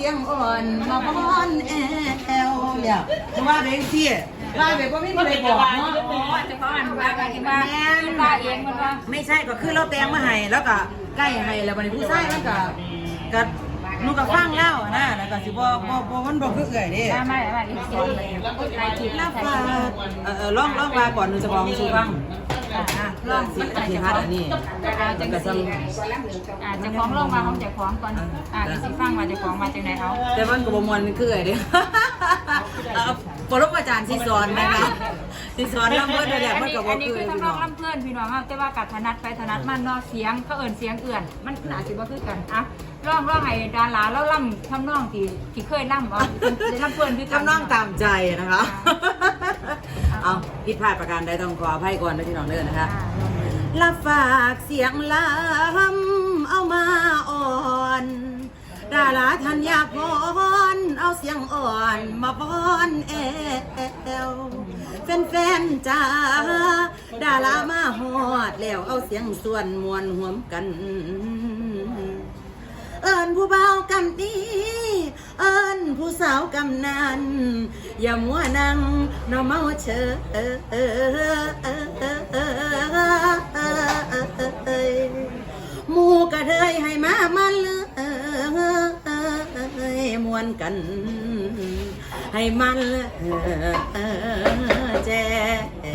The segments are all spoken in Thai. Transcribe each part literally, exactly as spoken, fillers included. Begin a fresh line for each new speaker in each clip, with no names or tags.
สียงอ่อนมาพอนแอลเนี่ยว่าเด็กเสียว่าแบบว่าไม่มีอะไรบอกเนาะจะเขาอ่านว่าอะไรบ้างว่าเองมันว่าไม่ใช่ก็คือเราแต่งมาให้แล้วก็ใกล้ให้แล้ววันนี้ผู้ชายมันก็ก็นูกับฟังเล่านะแล้วก็สิบ่บ่บ่มันบ่คือเอื่อยเด้ไม่ไม่ไม่สอนเลยใครคิดแล้วฟ้าเออลองลองมาก่อนหนูจะบอกสู่ฟังลองสิสิฮัดอันนี้จังก็ซั่นอ่าจะฟ้องลองมาของจะฟ้องก่อนอ่าสิฟังว่าจะฟ้องมาจังได๋เอาแต่มันก็บ่ม่วนคือเอื่อยเด้เออปรมาจารย์สิสอนนะคะสิสอนลำเพิ่นได้แล้วมันก็บ่คืออันนี้คือทั้งน้องลำเพิ่นพี่น้องแต่ว่ากัดถนัดไปถนัดมันเนาะเสียงเขาเอิ้นเสียงเอื่อนมันน่าสิบ่คือกันอ่ะร้องร้องให้ดาราแล้วล่ำทำน้องที่ที่เคยล่ำเอาได้ล่ำเพื่อนด้วยกันทำน้องตามใจนะคะเอาผิดพลาดประการใดต้องขออภัยก่อนนะพี่น้องเด้อนะคะละฝากเสียงล้ำเอามาอ่อนดาราธัญญาพรเอาเสียงอ่อนมาป้อนแอลแฟนๆจ้าดารามาฮอดแล้วเอาเสียงส่วนมวลห่วมกันเอิญผู้เบากำดีเอิญผู้สาวกำนันอย่ามัวนั่งนอเมาเชยหมูกระเทยให้มามันเลยมวนกันให้มันแจ้เอ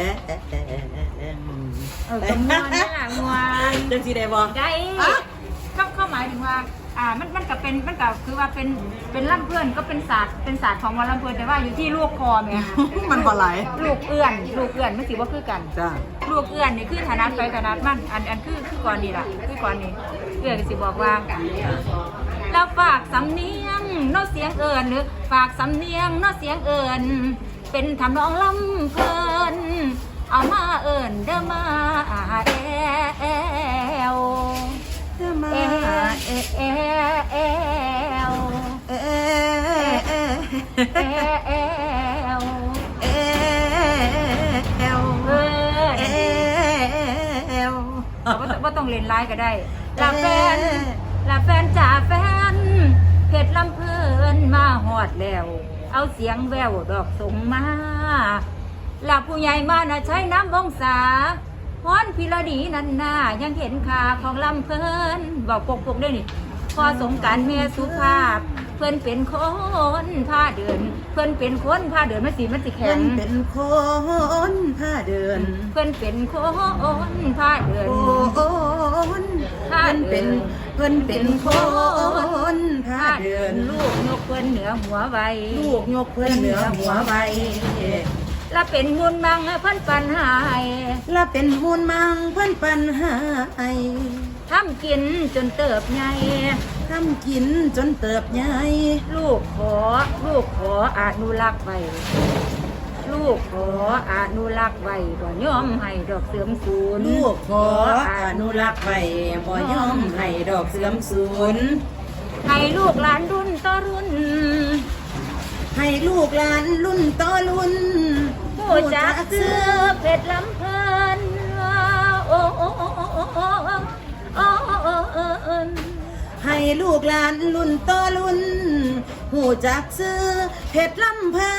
อมวนนี่แหละมวนจังสีได้บ่ได้เข้าหมายถึงว่าอ่ามันมันก็เป็นมันก็คือว่าเป็นเป็นล่ำเพื่อนก็เป็นศาสตร์เป็นศาสตร์ของวันล่ำเพื่อนแต่ว่าอยู่ที่ลูกคอไงมันบ่ไหลลูกเอื้อนลูกเอื้อนไม่ถือว่าคือกันจ้าลูกเอื้อนนี่คือฐานะไปฐานะมันอันอันคือคือก่อนนี่ล่ะคือก่อนนี่เอื้อนสิบอกว่าแล้วฝากสำเนียงโน้เสียงเอื้อนหรือฝากสำเนียงโน้เสียงเอื้อนเป็นทำนองล่ำเพื่อนเอามาเอื้อนเด้อมาแอลเอเอเอเอเอลเอเอเอเอเอลเอเอลเอเอลว่าต้องเล่นไลน์ก็ได้ลาแฟนลาแฟนจ่าแฟนเพชรลำเพลินมาหอดแล้วเอาเสียงแววดอกส่งมาลาผู้ใหญ่มาน่ะใช้น้ำวงศาพรพิรดีนันนายังเห็นขาของลำเพลินบอกปกปกได้นี่พอสงการเมียสุภาพเพื่อนเป็นคนผ้าเดินเพื่อนเป็นคนผ้าเดินมันสีมันสีแข็งเพื่อนเป็นคนผ้าเดินเพื่อนเป็นคนผ้าเดินคนผ้าเดินเพื่อนเป็นคนผ้าเดินลูกยกเพื่อนเหนือหัวไวลูกยกเพื่อนเหนือหัวไวละเป็นมูลมังเพิ่นปันหายละเป็นมูลมังเพิ่นปันหายทำกินจนเติบใหญ่ทำกินจนเติบใหญ่ลูกขอลูกขออนุรักษ์ไว้ลูกขออนุรักษ์ไว้บ่ยอมให้ดอกเสื่อมสูญลูกขออนุรักษ์ไว้บ่ยอมให้ดอกเสื่อมสูญให้ลูกหลานรุ่นต่อรุ่นให้ลูกหลานรุ่นต่อรุ่นผู้จักเสื้อเพชรลำเพลินโอ้โอ้โอ้โอ้โอ้โอ้ให้ลูกหลานรุ่นต่อรุ่นผู้จักเสื้อเพชรลำเพลิ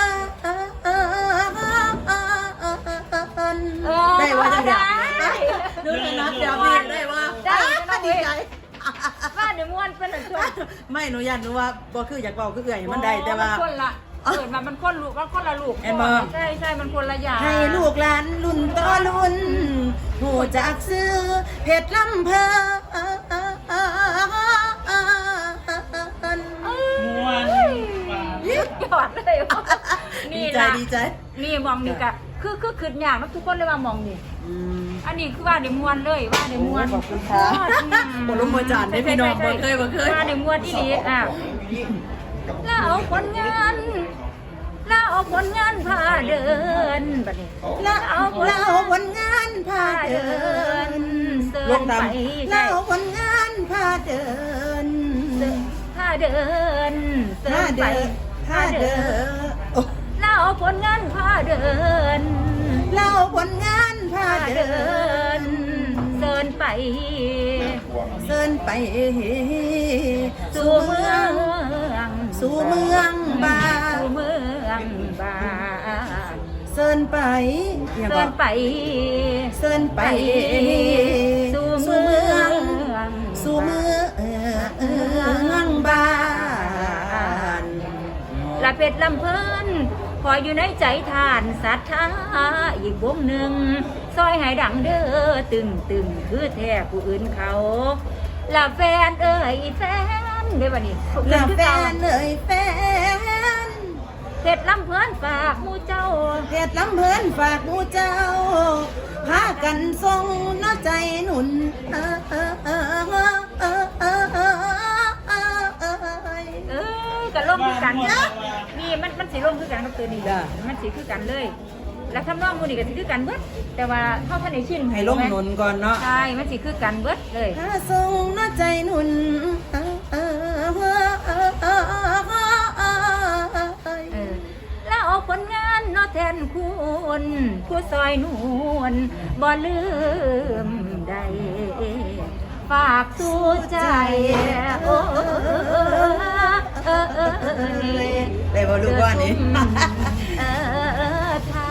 นได้ว่าจะได้ดูเลยนะเดี๋ยวพี่ได้ว่าได้ดีใจว่าเดี๋ยวม้วนเป็นหนึ่งช่วงไม่หนูยันหนูว่าบ่คืออยากบอกคือเอื่อยมันได้แต่ว่าเกิดมามันคนลูกมันคนละลูกใช่ใช่มันคนละอย่างให้ลูกหลานรุ่นต่อรุ่นหูจากซื้อเพชรลำเพลินม้วนยอดเลยนี่นะดีใจนี่มองนี่กะคือคือขึ้นอย่างแล้วทุกคนเลยว่ามองนี่อันนี้คือว่าเดี๋ยวม้วนเลยว่าเดี๋ยวม้วนขอบคุณค่ะบรมจารย์ได้พี่น้องบ่เคยบ่เคยว่าเดี๋ยวม้วนที่ดีอ่ะแล้วเอาผลงานแล้วเอาผลงานพาเดินบัดนี้แล้วเอาแล้วเอาผลงานพาเดินเดินไปแล้วเอาผลงานพาเดินพาเดินเดินไปพาเดินแล้วเอาผลงานพาเดินแล้วเอาผลงานพาเดินเดินไปเดินไปสู่เมือง
สู่เมืองบา
สู่เมืองบาน
เซินไป
เดินไป
เซินไป
สู่
สู่
เมื
เมื
อ
อง
ง
สู่เมืองบาน
ละเป็ดลำเพิ่นคอยอยู่ในใจทานศรัทธาอีกวงหนึ่งซอยให้ดังเด้อตึงตึงคือแท้ผู้อื่นเขาละแฟนเอ้ยแฟนเด้อบัดนี้
ละแฟนเอ่ยแฟน
เผ็ดลำเพิ่นฝากหมู่เจ้า
เพชรลำเพลินฝากหมูเจ้าพากันทรงน้อใจหนุนเออเออเออเออเออเออเออเออ
เออกันร่วมคือกันนะนี่มันมันสีร่วมคือกันกับตัวนี้
จ้ะ
มันสีคือกันเลย แล้วทำนองมูนี่ก็สีคือกันเบิดแต่ว่าเท่าท่านในชิ้น
ให้ลงหนุนก่อนเนาะ
ใช่มันสีคือกันเบิดเลย
พาทรงน้อใจหนุนเออเออเออเออเออเออ
เออแล้วเอาผลงานเนอแทนคุณผู้ซอยนวลบ่ลืมใดฝากสู่ใจโอ้เออเออเออ
ได้บ่ลูกว่านี่
เออท่า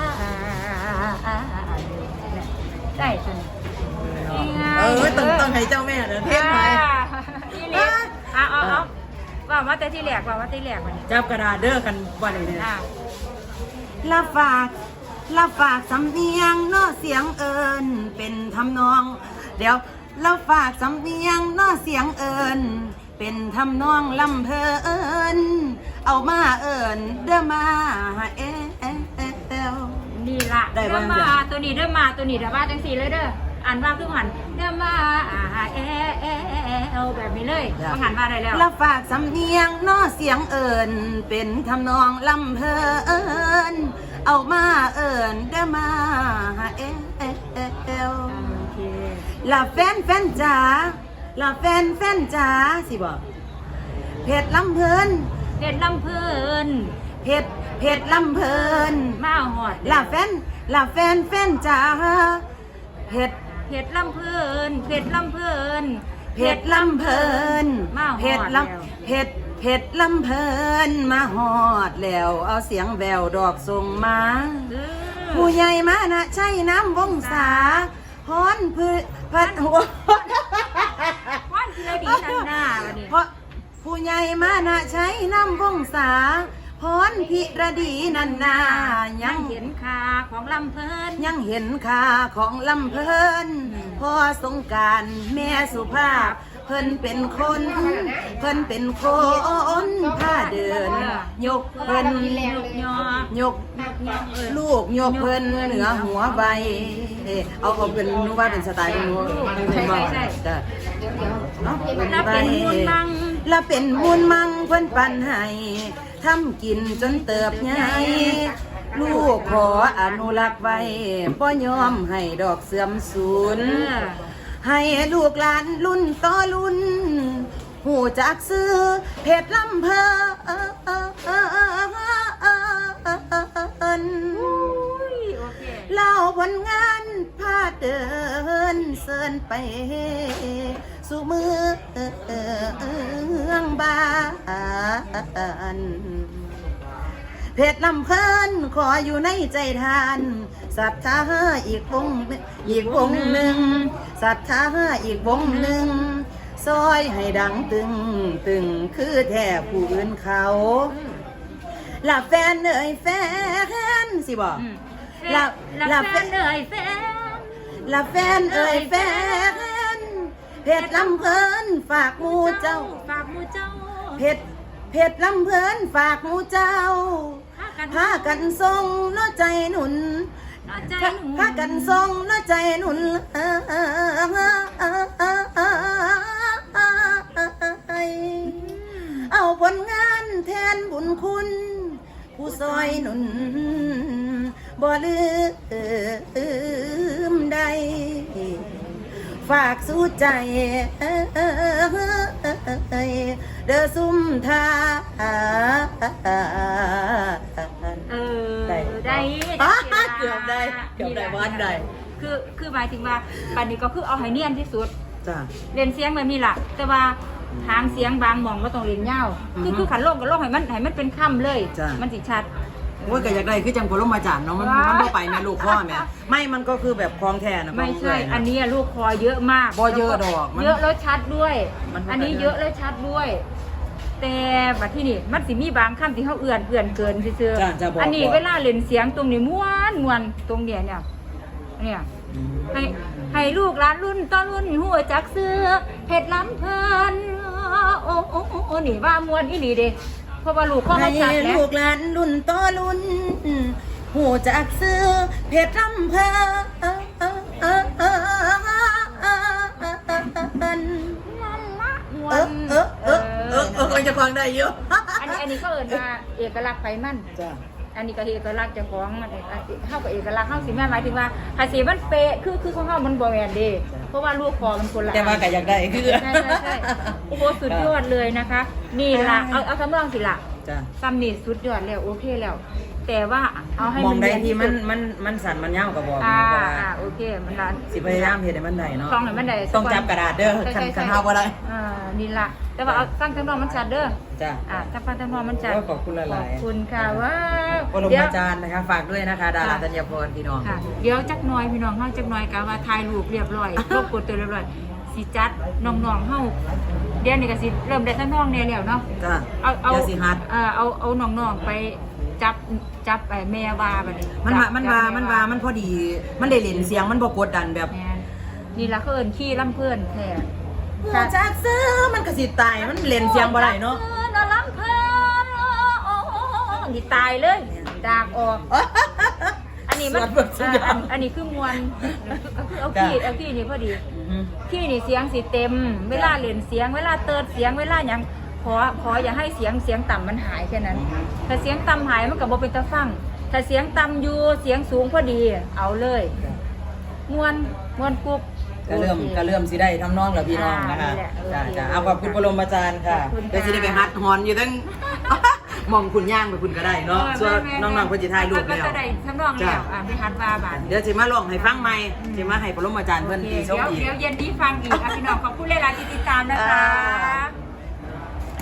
ได้จน
เออต้องต้องให้เจ้าแม่เด้อเทศไป
นี่เล็กเอาเอาเอาว่ามาแต่ที่แหลกว่ามาที่แหลกวันนี้
จับกระดาษเด้อกันว่านี่เนี่ย
อ่า
ละฝากละฝากสำเนียงเนอเสียงเอิญเป็นทำนอง เดี๋ยวละฝากสำเนียงเนอเสียงเอิญเป็นทำนองลำเพลินเอามาเอิญเด้อมาเอเอเอเอล
นี่ละ
ได้
เด้
บ้า
อง มาตัวนี้เด้อมาตัวนี้เด้อมาจังสีเลยเด้ออ่านว่าคือหันเด้อมาเอเอเอลแบบนี้เลยต้องหันมาได้แล้ว
ละฝากสำเนียงเนอเสียงเอิญเป็นทำนองลำเพลินเอามาเอิญเด้อมาเอเอเอเอล
โอเค
ละแฟนแฟนจ๋าละแฟนแฟนจ๋าสิบอกเพชรลำเพลิน
เด็ดลำเพลิน
เพชรเพชรลำเพลิน
มาหอด
ละแฟนละแฟนแฟนจ๋าเพชร
เผ็ดลำเพลินเผ็ดลำเพลิน
เพชรลำเพลิน
มาหอด
เพชร
แล้ว
ลำเพชรเพชรลำเพลินมาหอดแล้วเอาเสียงแววดอกส่งมา
เออ
ผู้ใหญ่มานะใช่น้ำวงศาพรพืพัดหัว
ว่านทีละดีนันหน้าวันนี้
เพราะผู้ใหญ่มานะใช้น้ำวงศาพรพิรดีนันนา
ยั
ยัง ง
เห็นคาของลำเพลิน
ยังเห็นค่าของลำเพลินพอสงกรารแม่สุภาพ เพิ่นเป็นคน เพิ่นเป็นคนผ้าเดิน ยกเพิ่น
ลูกยอย
กลูกยกเพิ่นเหนือหัวใบเอ้เอาเอาเป็นนูว่าเป็นสไตล์นูจ้ะเนาะ
แล้วเป็นมูลมัง
แล้วเป็นมูลมังเพิ่นปันให้ทำกินจนเติบใหญ่ลูกขออนุรักษ์ไว้บ่ยอมให้ดอกเสื่อมสูญ
เออ
ให้ลูกหลานรุ่นต่อรุ่น หูจักซื้อเพชรลำเพลิน
อุ้ยโอเค
เล่าผลงานพาเดินเสินไป สู่เมืองบานเพชรลำเพลินขออยู่ในใจทานศรัทธาอีกวงอีกวงหนึ่งศรัทธาอีกวงหนึ่งซอยให้ดังตึงตึงคือแท้ผู้อื่นเขาละแฟนเอ่ยแฟนสิบอก
อืม
ละ
ละ
ละ
แฟ
แฟ
น
น
เอ่ยแฟน
ละแฟนเอ่ยแฟนเพชรลำเพลินฝากหมูเจ้า
ฝากหมูเจ้า
เพชรเพชรลำเพลินฝากหมูเจ้า
พากัน
พากันทรงน้อใจหนุน
น้าใจหนู
พากันทรงน้อใจหนุนเออเออเออเออเออเออเอาผลงานแทนบุญคุณ ผู้ซอยหนุนบ่ลืมใด ฝากสู้ใจเด้อซุ่มทา
เออ
ได้
ได้
อ่ะ
ได้
เกือบได้เกือบได้วัดได้
คือคือหมายถึงว่าปันนี้ก็คือเอาให้เนียนที่สุด
จ้ะ
เรียนเสียงแบบนี้ล่ะ แต่ว่าทางเสียงบางหมองก็ต้องเรียนยาว
อือฮึ
คือคือขันโลกกับโลกให้มันให้มันเป็นค่ำเลย
จ้ะ
มันสิชัด
โอ้ยก็อยากได้คือจังพลมาจารย์เนาะมัน
ว้ามั
มันบ่ไปแม่ลูกพ่อแม่ไม่มันก็คือแบบคลองแท้นะ
ไม่ใช่
คลงเยะ
อันนี้ลูกคอเยอะมาก
บ่เยอะดอกมัน
เยอะแล้วชัดด้วย
มันบ่
อันนี้
ได้
เยอะแล้วชัดด้วย แต่บัดที่นี่มันสิมีบางคำที่เขาเอื่อนเอื่อนเกินซื่อ
จ้ะจะบอก
ๆอันนี้
บอก
เวลาเล่นเสียงตรงนี้ม้วนมวนตรงเนี้ยเนี่ยเนี่ย
อืม
ให้ให้ลูกหลานรุ่นต่อรุ่นหัวจักเสื้อเพชรล้ำเพลินโอ้โอ้โอ้โอ้นี่ว่ามวนอีหลีเด้เพราะว่าลูกเขา
ให้
เขาจัดแล้ว
ลูกหลานรุ่นต่อรุ่นหูจากซื้อเพชรลำเพลิน
มว
เออน เออเออเออเออเออจะฟังได้เยอะ
อันนี้อันนี้ก็เอิญว่าเอกลักษณ์ไฟมัน
จ้ะ
อันนี้ก็เอกลักษณ์เจ้าของมันเข้ากับเอกลักษณ์เข้าสิแม่หมายถึงว่าภาษีมันเป๊ะคือคือของเขามันบอแมนเด้เพราะว่าลูกคอมันคนละ
แต่ว่าก็อยากได้คือ
ใช่ใช่ใช่โอ้โหสุดยอดเลยนะคะ นี่ละเอาเอาคำรองสิละ
จ้ะ
ซัมนี่สุดยอดแล้วโอเคแล้ว แต่ว่าเอาให้
มอ
มั
ง
น
ได้
เรียน
ที่มัน
สุด
มันมันสั่นมันยาวก็บอก
อ่า
นะว่า
อ่าโอเคมันละ
สิพยายามเฮ็ดให้มันได้เนาะ
คลองให้มันได้
ต้องจับกระดาษเด้อ
ใช่
คัน
ใช่
คัน
ใช่
เฮาบ่ได้
อ่านี่ละแต่ว่าเอาตั้งคำรองมันชัดเด้อ
จ้ะ
อ่าถ้าฟังคำรองมันชัด
ก็ขอบคุณหลายๆ
ขอบคุณค่ะว้าว
ปร
เดี๋ยว
มาจารย์นะคะฝากด้วยนะคะ ดาราธัญพรพี่น้อง
ค่ะเดี๋ยวจักหน้อยพี่น้องเฮาจักหน้อยกะว่าถ่ายรูปเรียบร้อยครบกดตัวเรียบร้อยสิจัดน้องๆเฮาเดี๋ยวนี้ก็สิเริ่มได้ทั้งน้องแน่แล้วเนาะ
จ้ะ
เอาเอา
อย่าสิฮัด
เออเอาเอาน้องๆไปจับจับไอ้แม่วาบัดนี้
มันว่า
จับ
มันว่า
จับ
มันว่ามันพอดี มันได้เล่นเสียงมันบ่กดดันแบบ
แม่นนี่ล่ะเขาเอิ้นขี้ลำเพื่อนแท้
หัวจากซื้อมันก็สิตายมันเล่นเสียงบ่ได้เนาะ
นลำเพื่อนนี่ตายเลยดากออก อันนี้มัน
สวดบทสุดยอด
อันอันนี้คือมวลคือเอาขี้เอาขี้นี่พอดี
อืม
ขี้นี่เสียงสิเต็ม เวลาเล่นเสียง เวลาเติร์ดเสียงเวลาหยังขอขออย่าให้เสียงเสียงต่ำมันหายแค่นั้น ถ้าเสียงต่ำหายมันก็บ่เป็นตาฟัง ถ้าเสียงต่ำอยู่เสียงสูงพอดี เอาเลยมวนมวนกรุบ
ก็เริ่ม
โอค
ก็เริ่มสิได้ทำน้องแล้วพี่น้องนะคะ
อ่านี่แหละโอเค
จ้ะจ้ะเอาขอบคุณปรมาจารย์ค่ะ
ขอบคุณค่ะ
เดี๋ยวสิได้ไปฮัดฮอนอยู่ตั้ง มองคุณย่างไปคุณก็ได้เนาะส่วนน้องๆเพิ่นสิถ่ายรูป
ก็
แล้ว
จะได้ทำนองแล้วอ่ะไปฮัดว่าบาด
เดี๋ยวสิมาลองให้ฟังใหม่สิมาให้ปรมาจารย์เพิ่น
โอเค
ตีโช
เดี๋
ค
ยว
อีก
เดี๋ยวเย็นนี้ฟังอีกอ่ะพี่น้องขอบคุณหลายๆที่ติดตามนะคะ